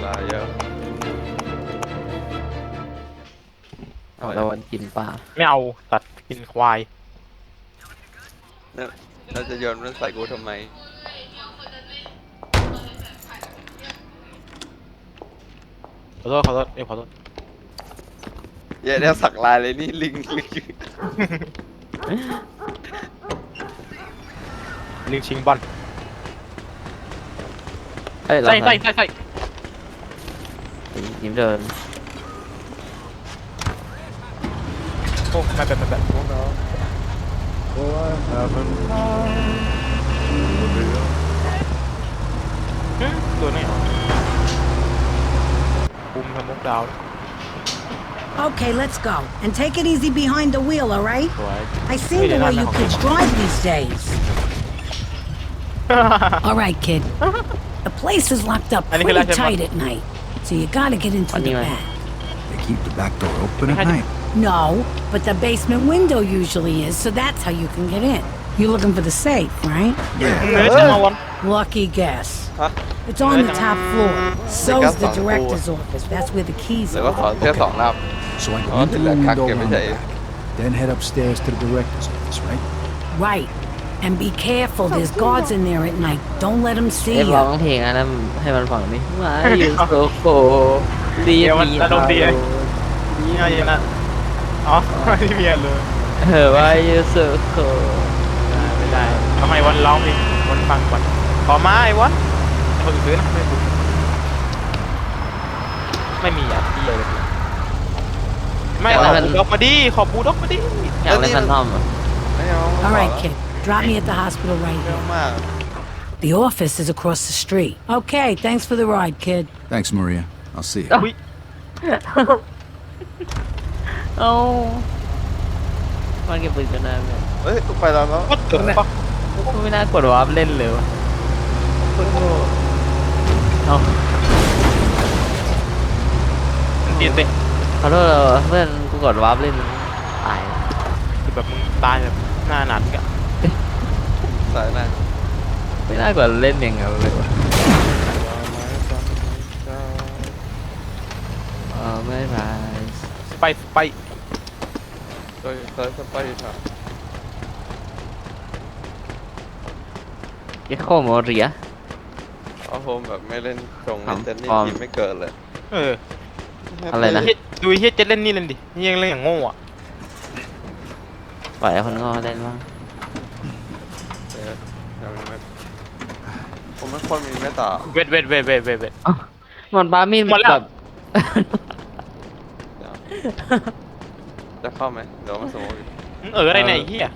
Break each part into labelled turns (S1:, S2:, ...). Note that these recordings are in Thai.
S1: ลายเยอะ
S2: เราวันกินปลา
S3: ไม่เอาตัดกินควาย
S1: เนี่ยเราจะโยนมันใส่กูทำไม
S3: ขอโทษขอโทษขอโทษ
S1: เย้เนี่ยสักลายเลยนี่ลิง
S3: ลิงชิงบอล
S2: เอ้ยเรา
S3: ใส่
S2: ยิ้มเดิน
S3: โอ้ไม่เป็น ตัวนี้คุมทำมุกดาว
S4: Okay, let's go. And take it easy behind the wheel, all right?
S3: สวย
S4: I seen the way you kids drive these days. All right, kid. The place is locked up pretty tight at night, so you gotta get into the back.
S5: They keep the back door open at night.
S4: No, but the basement window usually is, so that's how you can get in. You're looking for the safe, right?
S3: เนื้อจะมาวัน
S4: Lucky guess.
S1: ฮะ
S4: It's on the top floor. So's the director's office. That's where the keys
S1: แต่ก็
S4: are.
S1: ขอแค่2 รอบ
S5: So I go
S1: Oh,
S5: into
S1: did
S5: the
S1: that
S5: window
S1: cock
S5: on
S1: give
S5: the
S1: it a-
S5: back, then head upstairs to the director's office, right?
S4: Right. And be careful. There's guards in there at night. Don't let them
S2: เอ้ย
S4: see
S2: ร้อง
S4: you.
S2: เพลงอันนั้นให้มันฟังดิว่าอยู่โซโคดี
S3: เดี๋ยวมัน
S2: มี
S3: อารมณ์ดี นี่ไงนะอ๋อไม่มีเลย
S2: ว่าอยู่โซโค
S3: ไม่ได้ทำไมวันร้องเพลงวันฟังก่อนขอมาไอ้วันไอ้คนอื่นซื้อนะไม่มีอ่ะพี่เลยไม่ขอบูด็อกมาดิขอบูด็อกมาดิ
S2: อยากเล่นแฟนทอมอ่ะ
S1: ไม่เอา
S4: All right, kid. Drop me at the hospital right
S1: เยอะ
S4: here.
S1: มาก
S4: The office is across the street. Okay, thanks for the ride, kid.
S5: Thanks, Maria. I'll see you.
S3: อุ้ย
S2: เอ้ามันเก็บปืนกันได้ไหม
S1: เฮ้ยกูไปแล้วเนาะ
S3: ก็ถึงปะ
S2: ไม่น่ากดวาร์ปเล่นเลยวะโคตรโง่เอ้า
S3: มันตีนเตะ
S2: ขอโทษเพื่อนกูกดวาร์ปเล่นตาย
S3: คือแบบมึงตายแบบหน้าหนาดกะ
S1: สายหน้า
S2: ไม่น่ากดเล่นอย่างเงี้ยเลยวะไม่ไร
S3: ไป
S1: โดยเซิร์ฟสไปร์ครับ
S2: เอ็กโคโมเรีย
S1: เอาโฮมแบบไม่เล่นตรง
S2: ครับ
S1: เล่นเจนนี่
S2: พร้อม
S1: ทีมไม่เกิดเลย
S3: เออ
S2: อะไรนะ
S3: ดูเฮียเจ็ดเล่นนี่เล่นดินี่ยังเล่นอย่างโง่อะ
S2: ปล่อยให้คนโง่เล่นบ้าง
S1: เออยังไม่ผมไม่คนมีเมตตา
S3: เวท
S2: มันปามีด
S3: หมดแล้ว
S2: แบบ
S1: จะเข้าไหมเดี๋ยวมาสมมติ
S3: อะไรเนี่ยไอ้เฮีย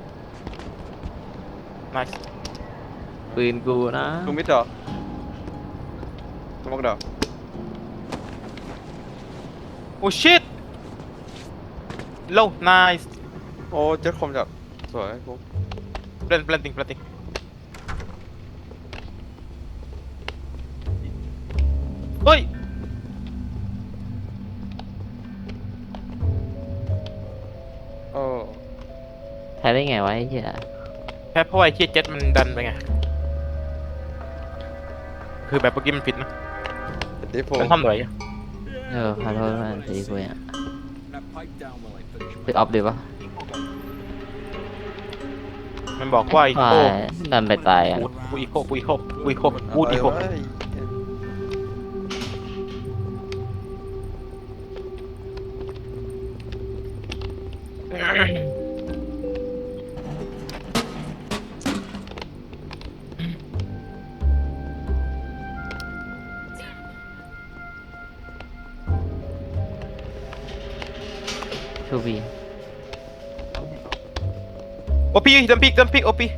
S3: nice
S2: ปืนกูนะ
S1: กูมิดดอกสมมติดอก
S3: โอ้ shit low nice
S1: โอ้เจ็ดคมจับสวยกู
S3: planting เฮ้ย
S1: โอ้
S2: แพ้ได้ไงวะไอ้เหี้ย
S3: แค่เพราะว่าไอ้เฮียเจ็ดมันดันไปไงคือแบบเมื่อกี้มันผิดนะ
S1: ตีโฟ
S3: มันทำหน่อย
S2: ขอโทษเพื่อนตีกูอ่ะปิดออฟดีปะ
S3: มันบอกว่าอี
S2: ตา
S3: โค
S2: ยดันไปตายอ่ะ
S3: กูอีโคพูดอีโค
S1: เว้ย
S2: ทูบี
S3: โอพีดันพิกโอพี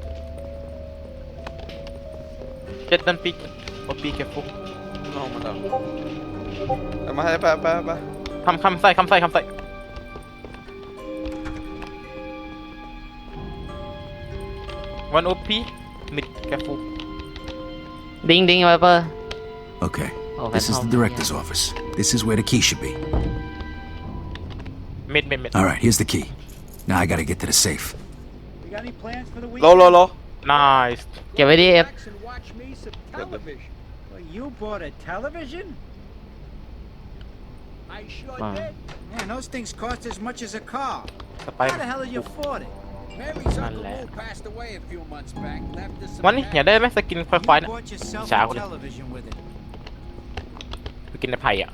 S3: เจ็ดดันพิกโอพีแคฟุก
S1: น้องมาแล้วเอามาให้ไป
S3: คำใส่วันโอพีมิดแคฟุก
S2: ดิงไวเปอร์
S5: Okay.
S2: Oh,
S5: This is
S2: that's
S5: the
S2: how-
S5: director's office. This is where the key should be.
S3: มิด
S5: All right, here's the key. Now I gotta get to the safe.
S6: You got any plans for the
S1: โล
S6: weekend?
S1: โล
S3: nice
S2: เก็บไว้ดิเอฟ
S6: Relax and watch me some television. Well, You bought a television?
S7: I sure
S2: Wow.
S7: did.
S6: Man, those things cost as much as a car.
S3: สไป
S6: How the hell did you afford it?
S7: Mary's
S3: None
S7: Uncle
S3: left.
S7: Lou passed away a few months back. Left us some
S3: วันนี้อยากได้ไหมสกินควายๆ
S6: You
S3: เนี่ย
S6: bought yourself
S3: Chào
S6: a
S3: con.
S6: television with it.
S3: สกินในไผ่อ่ะ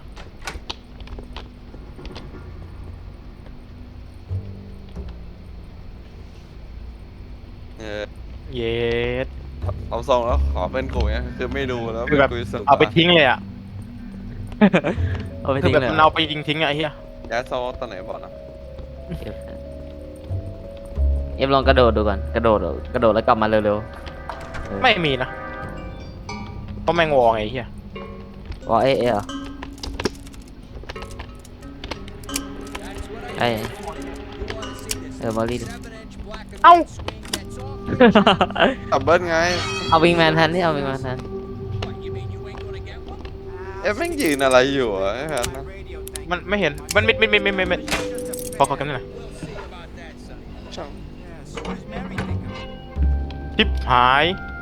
S3: เย็ด
S1: เอาทรงแล้วขอเป็นกูเนี่ยคือไม่ดูแล้ว
S3: คือแบบ
S1: คุยสุด
S3: เอาไปทิ้งเลยอ่ะ
S2: เอาไป
S3: คือ
S2: ทิ้ง
S3: แบบ
S2: เลย
S3: มันเอาไปยิงทิ้งอะไอ้เหี้ย
S1: ย้ายโซ่ตอนไหนบอกนะ
S2: เอฟลองกระโดดดูก่อนกระโดดแล้วกลับมาเร็ว
S3: ไม่มีนะเพราะแมงวอไงไอ้เหี้ย
S2: ๆว่าเอ๊ะเหรอ
S7: That's what I
S2: ไอ้
S7: You want to see this
S2: มารีดิ
S7: 7-inch black and
S3: Ow.
S7: white screen that's off?
S1: ดับเบิ้ลไง
S2: เอาวิงแมนแทนนี่เอาวิงแมนแทน
S7: What, you mean you ain't gonna get one?
S1: เอ๊ะแม่งยืนอะไรอยู่อ่ะไอ้แพทนะ
S6: Radio thing.
S3: มันไม่เห็นมันมิดพอกันหน่อย
S7: We'll see about that, son.
S1: ช่าง
S6: Yeah, so what does Mary think of it?
S3: ชิปหาย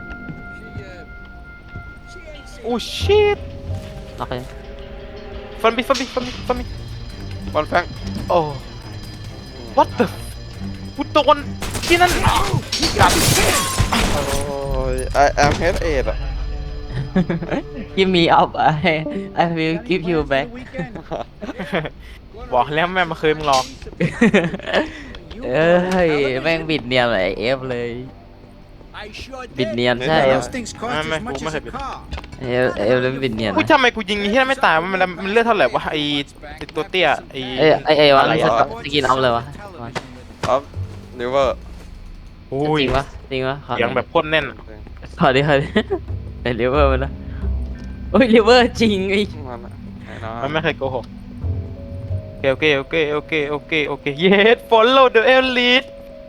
S7: She ain't seen
S3: โอ้ชิต
S2: โอเค
S3: ฟันบิ
S1: บอลแฟง
S3: โอ้ what the กูโดนที่นั่นกลับ
S1: โอ้ยไอแอมเฮดเอ็ดอ่ะ
S2: give me up I will give you back
S6: For the weekend?
S3: บอกแล้วแม่มาเคยมึงหลอก
S6: You
S2: เอ้ยแม่งบิดเนียนเลยเอฟเลย
S7: I sure
S2: บิด
S7: did.
S2: เนียนใช่
S6: Man,
S2: เอฟ
S6: those things cost
S3: Man,
S6: as much
S3: man,
S6: as a
S3: man.
S6: car.
S2: เอฟเลยบิดเนียน
S3: อุ้ยทำไมกูยิงที่นั่นไม่ตายมันเลือดเท่าไหร่วะไอ้ตัวเตี้ยไอ้
S2: ไอ้วะ
S3: อะไร
S2: ส
S3: อะ
S2: กินเอาเลยวะ
S6: Television with it.
S1: ออฟนิเวอร์
S3: อุ้ย
S2: จริงปะจริงปะขอ
S3: เสียงแบบพ่นแน่น
S2: ขอดิในลิเวอร์มันนะโอ้ยลิเวอร์จริงไอ้
S1: มันอะไอ้น้อ
S3: มัน
S1: ง
S3: ไม่เคยโกหกโอเคyes follow the elite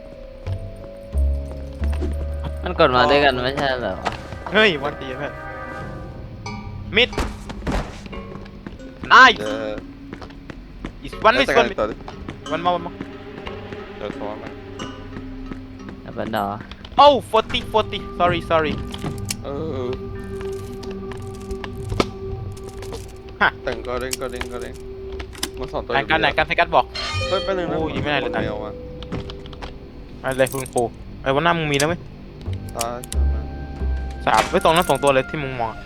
S2: มันกดมาด้วยกันไม่ใช่เหรอวะ
S3: เฮ้ยวันดีเพื่อนมิดนาย
S1: เจอ
S3: is one miss
S1: แต่
S3: one
S1: กัน
S3: miss
S1: ต่อดิ
S3: one more
S1: เจอตัวมัน
S2: บันดอ
S3: oh 40 sorry
S1: เออ
S3: ฮะ
S1: แต่งก็เด้งมาสอนตัว
S3: ไหนกันบอก
S1: เฮ้ยไปหนึ่งนะ
S3: โอ้ยไม่ได้เลย
S1: เมลมา
S3: อะไรคุณครูไอ้วันหน้ามึงมีนะเว้ย
S1: ตาย
S3: 3ไว้ตรงนั้น2ตัวเลยที่มึงมอง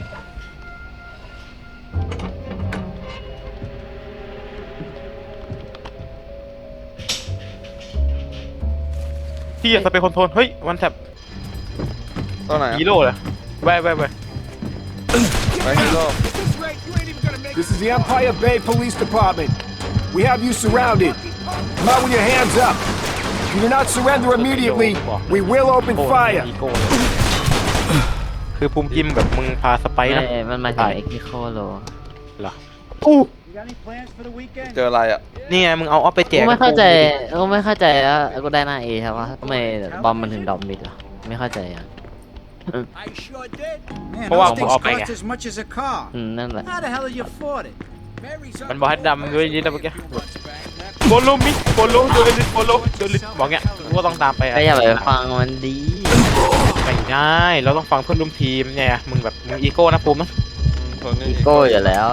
S3: ที่จะไปคอนโทรลเฮ้ยวันแท็บ
S1: ตัวไหนอะ
S3: ฮีโร่เลยแว่
S1: ไปฮีโร่
S8: This is the Empire Bay Police Department. We have you surrounded. Come out with your hands up. If you do not surrender immediately, we will open
S3: โอ้
S8: fire.
S3: อีโก้เลยคือภูมิจิมแบบมึงพาสไป
S2: ไม่
S3: นะ
S2: มันมาจากเอ็กซิโคโล
S3: เหรออู้
S6: You got any plans for the weekend?
S1: เจออะไรอ่ะ
S3: นี่ไงมึงเอาออฟไปแจ
S2: กู
S3: ก
S2: ไม่เข้าใจแล้วกูได้หน้าเอใช่ปะทำไมบอมมันถึงดรอปมิดอ่ะไม่เข้าใจอ่ะ
S7: I sure did.
S6: Man,
S3: Well,
S6: those things
S3: I'll pay
S6: cost
S3: ya.
S6: as much as a car.
S2: นั่นแหละ
S6: How the hell did you afford it?
S7: Mary's
S3: มัน
S7: Uncle
S3: บอกให้
S7: Lou
S3: ดำด้วย
S7: passed
S3: นี่นะ
S7: away
S3: เมื่อกี้
S7: a few months back. Left
S3: โฟโลมิโฟโลเดลิโฟโลเดลิบอกเงี้ยกูก็ต้องตามไป
S2: ก็อย่าไปฟังมันดี
S3: ไม่ได้เราต้องฟังเพื่อนร่วมทีมเนี่ยมึงแบบมึงอีโก้นะภูมินะ
S1: ตัวนี้
S2: อีโก้อยู่แล้ว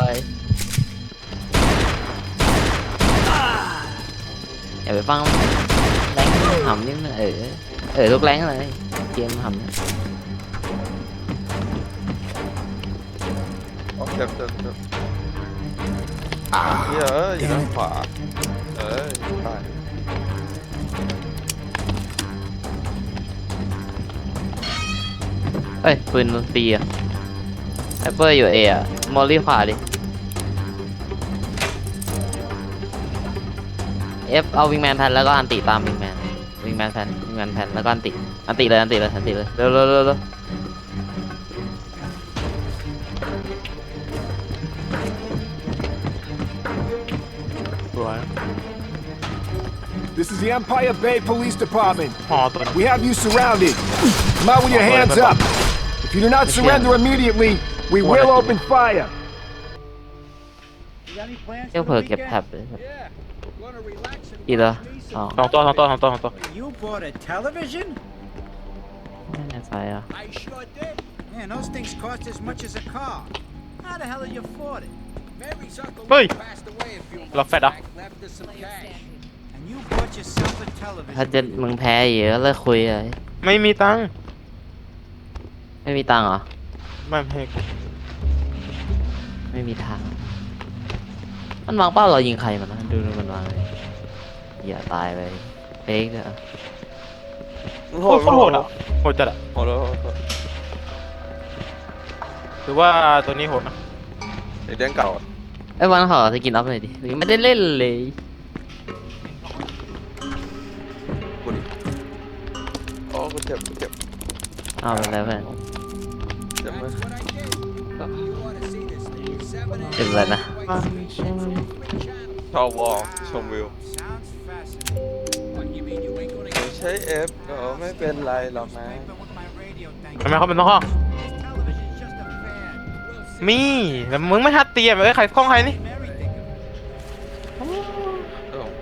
S2: อย่าไปฟังแรงหำนี่มันทุกแรงเลยเกมหำเนี่ย
S1: โอเคเจ็บเฮ้ยอยู่ด้านขวาตาย
S2: เอ้ยปืนมันตีอ่ะไอเปอร์อยู่เออ่ะมอลลี่ขวาดิเอฟเอาวิงแมนแพนแล้วก็อันติตามวิงแมนแพนแล้วก็อันติเลยเร็ว
S3: สวย
S8: This is the Empire Bay Police Department.
S3: ห่อตัว
S8: We have you surrounded. Come out with your hands up. If you do not surrender immediately, we will open fire.
S6: You got any plans
S2: เที่ยว
S6: for
S2: เผลอ
S6: the
S2: เก็บ
S6: weekend?
S2: แท็บเลย
S7: Yeah. Gonna relax and
S2: กี่ตัว
S7: watch me
S2: สอง
S7: some
S3: 2 ตัว
S6: You bought a television?
S2: ไม่แน่ใจอ่ะ
S7: I sure did.
S6: Man, those things cost as much as a car. How the hell did you afford it?
S7: Mary's uncle
S3: Hey.
S7: passed away a few
S3: Love
S7: months
S3: fed up.
S7: back, left us some cash.
S6: And you bought yourself a
S2: ถ้า
S6: television.
S2: จะมึงแพ้เยอะเลิกคุยเลย
S3: ไม่มีตังค์
S2: ไม่มีตังค์เหรอ
S3: ไม่ให้กู
S2: ไม่มีทาง มันวางเป้าเรายิงใครมันนะดูมันวางเลยอย่าตายไปเล็กเนี่ย
S3: โหดโหดอ่ะโหดจัดอ่ะ
S1: โหดเลยโหดเลย
S3: หรือว่าตัวนี้โหดนะ
S1: ไอ้เด้งเก่าอะ
S2: ไอ้วันขอสกินอัพหน่อยดิยังไม่ได้เล่นเลย
S1: กูดิโอ้กูเจ็บกูเจ็บ
S2: เอาไปแล้วเพื่อน
S1: เจ็บไหม
S7: That's what I did. You ought to see this thing. 7
S2: เจ็บอะไรนะ
S1: ชอบวอลชมวิว
S6: Sounds fascinating.
S7: What, you mean you ain't gonna get
S1: ใช้เอฟก็ไม่เป็นไรหรอกนะ
S6: Scraping with my radio thing.
S3: ทำไมเขาเป็นต้องห้อง
S6: This television's just a fad.
S3: มีแต่มึงไม่ทัดเตรียมใครกล้องใครนี่
S6: Mary think of it.
S1: เออ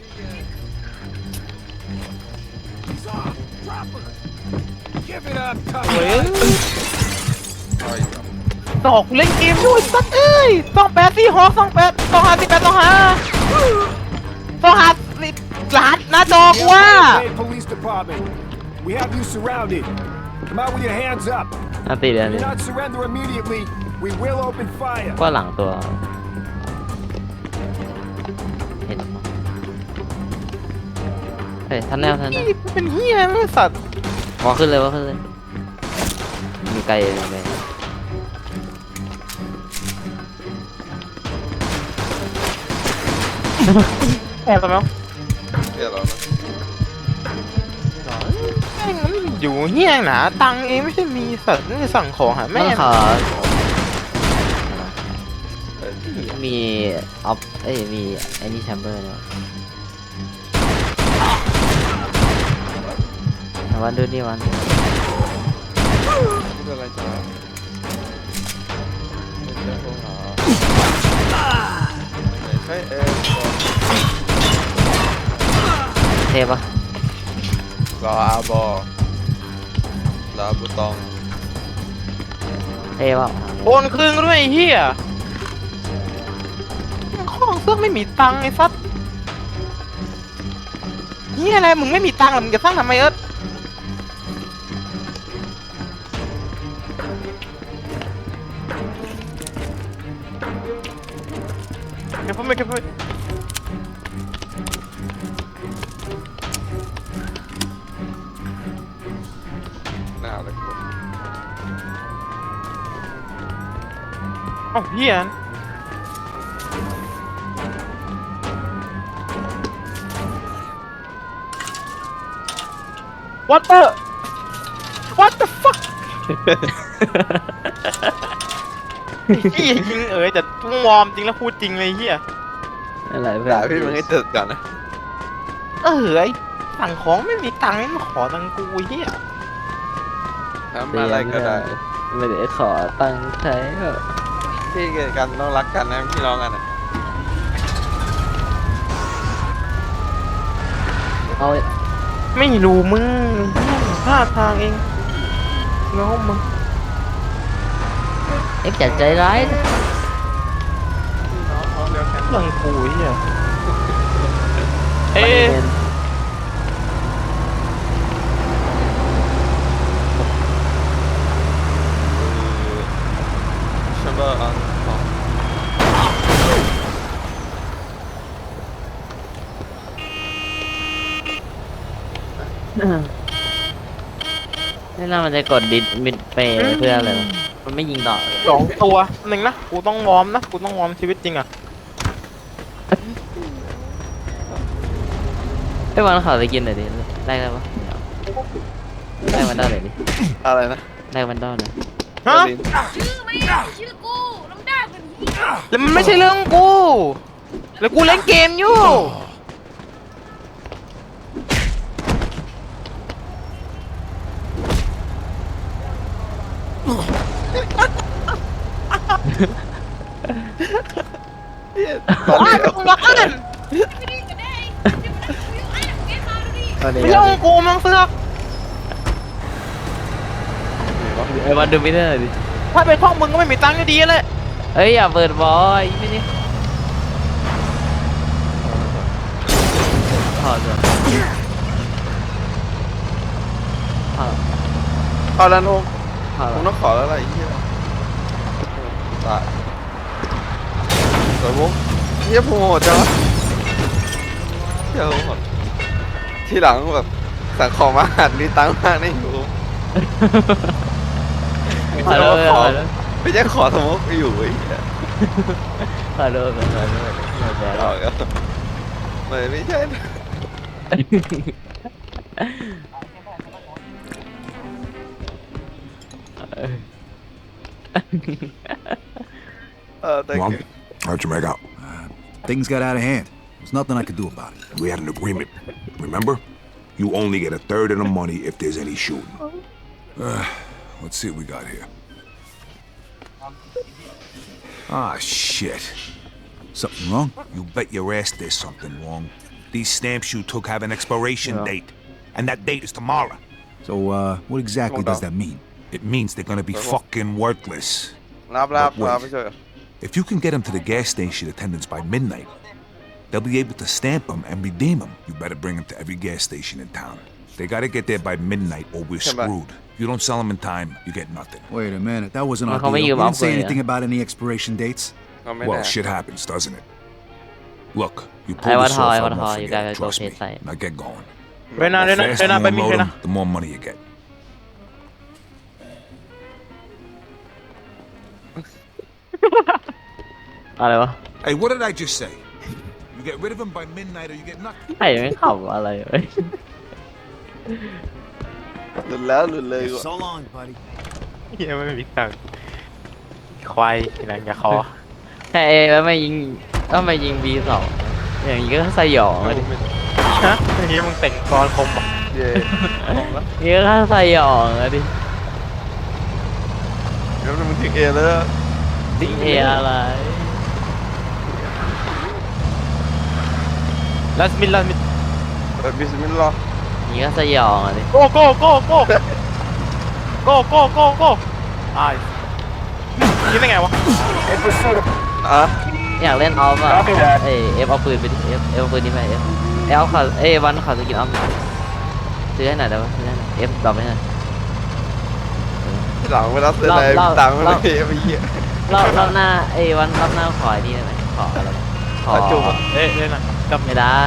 S8: He's off! Drop her! Give it up,
S3: เฮ้ย
S8: Tommy!
S1: เอาอีกแล้ว
S3: ตอกเล่นเกมด้วยสัตว์เอ้ย28ที่ฮอก28 258 รหัสหน้าจอกูว่า
S8: Bay Police Department. We have you surrounded. Come out with your hands up.
S2: อันตีเดี๋ยว
S8: If
S2: นี้
S8: you not surrender immediately, we will open fire.
S2: ก็หลังตัว เห็นมั้ยเฮ้ยทันแนวทันแนว
S3: เป็นเฮียไม่สัตว์
S2: วอขึ้นเลยวอขึ้นเลยมีไกลเลย
S3: แอบทำไมวะ
S1: เดี๋ยวเรานะ
S3: แม่งมันอยู่เฮียหนาตังค์เองไม่ใช่มีสัตว์นี่สั่งของหา
S2: แม่
S3: แม่
S2: ขอ
S1: เอ้ย
S2: มีออฟเอ้ยมีไอ้นี่แชมเบอร์เนาะวันดูนี่วัน
S1: ไม่เป็นไรจ้าไม่ใช่พวกหาไม่ใช่เอฟก็
S2: เทปะ
S1: รออาบอลาบุตอง
S2: เทปะ
S3: โอนคืนก็ด้วยไอ้เฮียข้องเสื้อไม่มีตังค์ไอ้สัตว์เฮียอะไรมึงไม่มีตังค์หรอมึงจะสร้างทำไมเอิร์ธเก็บไว้เก็บไว้
S1: หน้าเลยกู
S3: เอ้าเฮียWhat the fuck เฮียยิงแต่ทุ่งวอร์มจริงแล้วพูดจริงเลยเฮีย
S2: อะไรเพื่อน
S1: ด่าพี่มึงให้เติร์ดก่อนนะ
S3: ไอ้สั่งของไม่มีตังค์ไม่มาขอตังค์กูเฮีย
S1: ทำอะไรก็ได้
S2: ไม่ได้ขอตังค์ใช้เหรอ
S1: พี่กันต้องรักกันนะพี่น้องกันนะ
S2: เอา
S3: ไม่รู้มึงพลาดทางเองเงามึง
S2: เอ็กจัดใจร้ายนะ
S1: น้องเดียวกัน
S3: เรื่องกูเฮียเอ๊ะ
S1: แชมเบอร์อันสอง
S2: นี่น่ามันจะกดดิสมิดเปย์เพื่ออะไรวะมันไม่ยิงต่อ
S3: 2 ตัวหนึ่งนะกูต้องวอร์มนะกูต้องวอร์มชีวิตจริงอ่ะ
S2: ไอ้วันขอไปกินหน่อยดิได้ไหมวะได้มันได้หน่อยดิ
S1: อะไรนะ
S2: ได้มันได้หน่อย
S3: ฮะ
S1: ลิ้น
S9: ชื่อไม่ได้ชื่อกูน้ำได้เป็นที่
S3: แล้วมันไม่ใช่เรื่องกูแล้วกูเล่นเกมอยู่บ้านมึงบ้าน
S9: ไม่ได้กันได้ที่มันคุยอ่ะแกเขาดูดิ
S2: ตอนนี้
S3: ไม่ใช่ของกูมึงเสือก
S2: ไอ้วันดูไม่ได้หน่อยดิ
S3: ถ้าเป็นช่องมึงก็ไม่มีตังค์อยู่ดีเลย
S2: เอ้ยอย่าเปิดบอยไม่ได้ถอดเลยถอด
S1: เอาแล้วนุ๊ก
S2: ถอด
S1: ผมต้องขอแล้วอะไรอีกเนี่ยตายสวยมุกเฮียผมโหดจังวะเฮียผมโหดทีหลังแบบสั่งของมาหัดมีตังค์มากนี่อยู่ไม่
S2: ถอ
S1: ใช่
S2: ดเลย
S1: ว่าขอ
S2: ถอดเลย
S1: ไม่ใช่ขอสมมติอยู่ไอ้เหี้ย
S2: ถอดเลยถอดเลยถอด
S1: เอา
S2: เลย
S1: ก็ไม่ใช่นะ thank
S10: Well,
S1: you
S10: how'd you make out?
S5: Things got out of hand. There's nothing I could do about it.
S10: We had an agreement. Remember? You only get a third of the money if there's any shooting. Let's see what we got here. Ah, shit.
S5: Something wrong?
S10: You bet your ass there's something wrong. These stamps you took have an expiration date. And that date is tomorrow.
S5: So, what exactly does that mean?
S10: It means they're gonna be fucking worthless.
S1: รับ
S10: But wait.
S1: ไปช่วย
S10: If you can get them to the gas station attendants by midnight, they'll be able to stamp them and redeem them. You better bring them to every gas station in town. They gotta get there by midnight or we're
S1: Come back.
S10: screwed. If you don't sell them in time, you get nothing.
S5: Wait a minute, that wasn't our
S2: Well, how
S5: deal.
S2: many
S5: We
S2: you
S5: didn't say
S2: upgrade,
S5: anything about any expiration dates.
S1: เอาไม่
S10: Well,
S1: ได้
S10: shit happens, doesn't it? Look, you
S2: I
S10: pull
S2: want
S10: this
S2: how,
S10: off,
S2: I
S10: I
S2: want
S10: won't
S2: how, you
S10: forget it,
S2: gotta go
S10: trust me.
S2: pay side.
S10: Now get going.
S3: เรน่า
S10: The
S3: เรน่า
S10: faster
S3: เรน่า
S10: you
S3: ไปมี
S10: unload
S3: เรน่า
S10: them, the more money you get.
S2: อะไรวะ
S10: Hey, what did I just say? You get rid of them by midnight or you get nothing.
S2: ใครไม่ขับอะไรเว้ย
S1: หลุดแล้วหลุดเลย
S6: So long, buddy.
S3: เฮียไม่มีตังค์ควายทีหลังอย่าขอ
S2: แค่แล้วไม่ยิง B2 อย่างนี้ก็สยองเลยดิ
S3: ฮะเฮียมึงแต่งกรคมปะ
S1: เย่ของแล้ว
S2: นี่ก็สยองเลยดิ
S1: เดี๋ยวมันถึงเอแล้ว
S2: ดิเออะไร
S3: ลาสมิน
S1: บิสมิลลาห์
S2: นี่ก็สยองเลยดิ
S3: โก้ตายยิงได้ไงวะ
S8: In pursuit of...
S1: อ่ะ
S2: อยากเล่นออฟอ่ะ
S8: Copy that.
S2: เอฟเอาปืนไปดิเอฟเอาปืนนี้ไปเอฟเอาขอวันขอสกินออฟซื้อให้หน่อยได้ปะซื้อให้หน่อยเอฟดรอปให้หน่อย
S1: ทีหลังเวลาเซ็นอะไร
S2: เรา
S1: ตังค์ไม่มีไอ้เหี้ย
S2: รอบหน้าวันรอบหน้าขอไอ้นี่ได้ไหมขออะไรขอ
S1: ขอจุ๊บอะ
S3: เล่นนะจำ
S2: ไม่ได้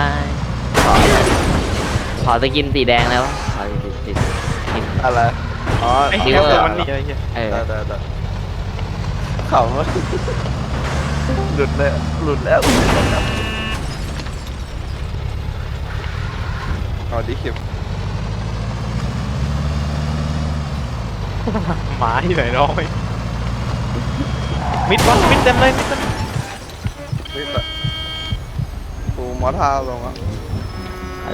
S2: ขอสกินสีแดงแล้วขอสีกิน
S1: อะไรอ๋อ
S3: ไอ้เฮีย
S2: เออ
S3: มันนี่อะไรเฮีย
S1: ได้ขำวะหลุดเลยหลุดแล้วเอาดิคิม
S3: หมาที่ไหนน้อยมิดเต็มเลยมิดเต็ม
S1: นี่แต่กูมอท่าลงอ่ะ
S2: อะไร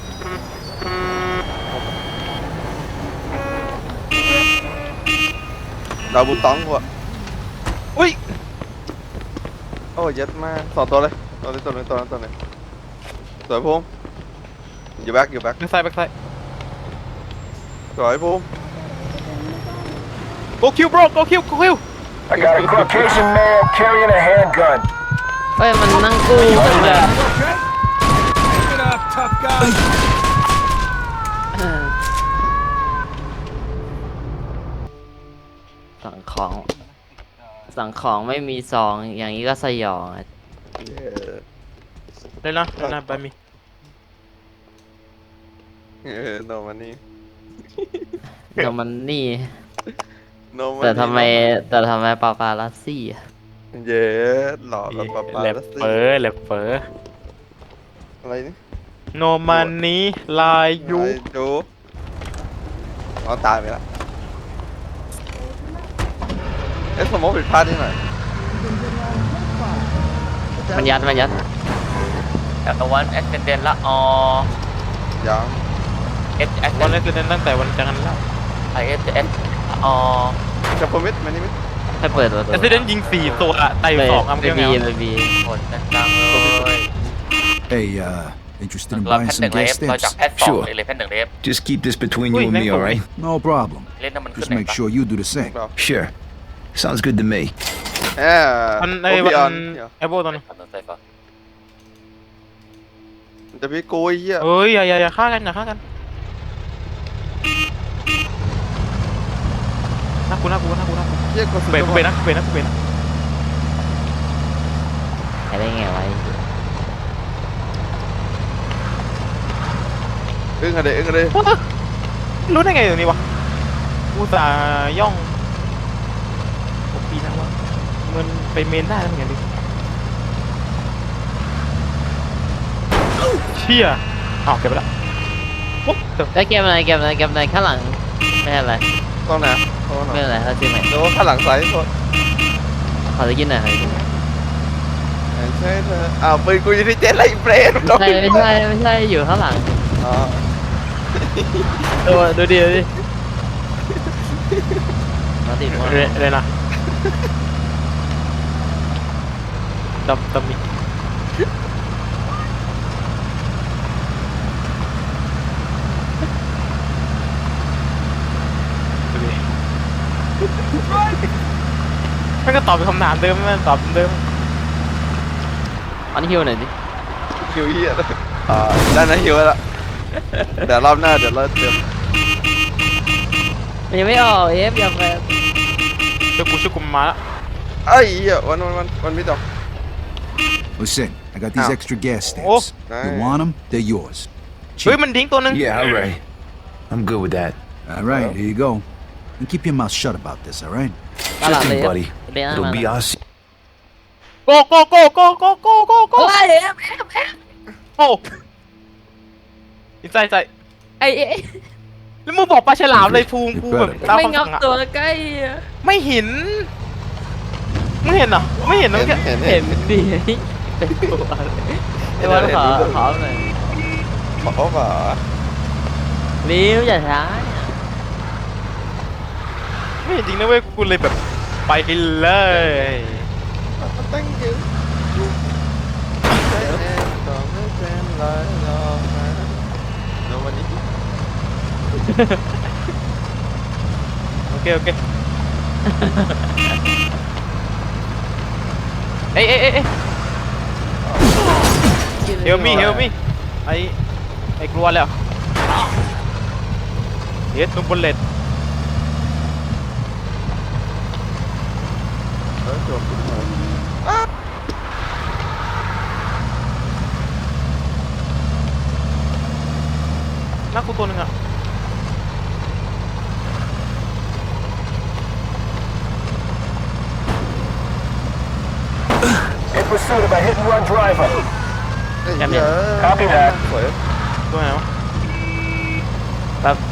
S1: ดาวบุตองกูอ่ะอุ้ยโอ้ยยัดมากสองตัวเลยตัวนึงสวยภูมิอยู่แบ็ค
S3: แบ็คไซด์
S1: สวยภูมิ
S3: go kill bro go kill
S8: I got a Caucasian male carrying a handgun.
S2: เฮ้ยมันนั่งกู้กันเลย
S8: Keep it up, tough guy.
S2: สั่งของไม่มีซองอย่างนี้ก็สยองอ่ะ
S3: เล่นนะไปมี
S1: โนมันนี่
S2: แต่มันนี่
S1: โนมัน
S2: แต่ทำไมปาปาลัสซี่อะ
S1: เย้หล่อแล้วปะปา
S3: แลบ
S1: แล้วสิ
S3: เฟอ
S1: อะไรนี่
S3: โนมันนี้ลายยู
S1: ไอ้ดูเอาตายไปแล้วเอ๊ะสมมติผิดพลาดที่ไหน
S2: มันยัดแต่ตะวันแอคเซนเดนละอ
S1: ยัง
S3: วันนี้คือตั้งแต่วันจันทร์แล้ว
S2: ไอเอสเอสอ
S1: จะพมิดมันนี่มิด
S2: ให้เปิดตัว
S3: เอสเดนยิง4ตัวไต่2อัม
S2: ไป
S3: เงี้ย
S2: บีหมดจังเลย
S5: Hey, interested in buying some gas stamps?
S11: Sure. Just keep this between you and me, all right?
S5: No problem. Just make sure you do the same.
S11: Sure. Sounds good to me.
S1: แอร์
S3: มัน
S1: โอ
S3: ไอ้
S1: ปิอ
S3: วั
S1: อน
S3: นไอ้โบตัวนึง
S1: จะมีกูไอ้เหี้ย
S3: เฮ้ยอย่าฆ่ากันอย่าฆ่ากันน่ากู
S1: เหี้ยกูสุด
S3: เบรก
S1: ยอด
S3: เบรกนะ
S2: ใครได้ไงไว้
S1: อึ้งอะเดอึ้งอะเด
S3: รู้ได้ไงตรงนี้วะกูตาย่องปีนะวะมันไปเมนได้แล้วเหมือนกันดิเชี่ยอ้าวเก็บไปแล้วปุ๊บเดี๋ยว
S2: ได้เกมอะไรข้างหลังไม่ใช่อะไร
S1: ต้องนะต้อง
S2: ไม่
S1: นะ
S2: เป็นไรเราซื้อใหม่
S1: โดนข้างหลังซ้ายโทษ
S2: ขอจะกินหน่อยขอจะกินหน่อย
S1: ใช่เธออ้าวปืนกูอยู่ที่เจ็ดไรเฟรน
S2: ไม่ใช่อยู่ข้างหลัง
S1: อ๋อ
S2: ดูดิมาติดมา
S3: เลยนะดำมิดูดิมันก็ตอบเป็นคำถามเดิมมันตอบเดิม
S2: อันฮิวหน่อยดิ
S1: ฮิวเหี้ยเลยได้นะฮิวแล้วเดี๋ยวรอบหน้าเดี๋ยวเราเติม
S2: มันยังไม่ออกเอฟอย่าไป
S3: ช่วยกูมาละ
S1: ไอ้เหี้ยวันไม่ตก
S5: Listen, I got these
S1: Ow.
S5: extra gas stamps.
S1: Oh,
S5: You
S1: nice.
S5: want them? They're yours.
S3: เฮ้ยมันดิ้งตัวนึง
S11: Yeah, all right. I'm good with that.
S5: All right, here you go. And keep your mouth shut about this, all right?
S2: ตลาด
S11: Sure
S2: เลย
S11: thing, buddy.
S2: เบน
S11: It'll be our
S3: โกโก
S2: เฮ้ยเอฟ
S3: โอ้อินใจ
S2: ไอ้
S3: แล้วมึงบอกปลาฉลามเลยภูมิกูแบบตาม
S2: ไม่
S3: คำ
S2: งับ
S3: สั่งอะ
S2: ตัวใกล้อะ
S3: ไม่เห็นมึงเห็นเหรอไม่เห็นนะ
S1: เห็น
S3: เมื่อกี้
S1: เห็น
S2: เห็นดิเป็นตัวเลยไอ้วันขอหน่อย
S1: ขอป่ะ
S2: ริ้วอย่าช้า
S3: ไม่เห็นจริงนะเว้ยกูเลยแบบไปเลย
S1: Thank you ต้องไม่เป็นไรหรอกนะแล้ววันนี้
S3: โอเคเอ้ยเฮลมี่ไอ้กลัวแล้วเฮ็ดนุ่มบนเลต
S1: จบขึ้นมา
S3: น่ากูตัวนึงอ่ะ
S8: In pursuit of a hit-and-run driver.
S1: ไอ้เหี้ย
S8: Copy that.
S1: สวย
S3: ตัวไหนวะแป๊บ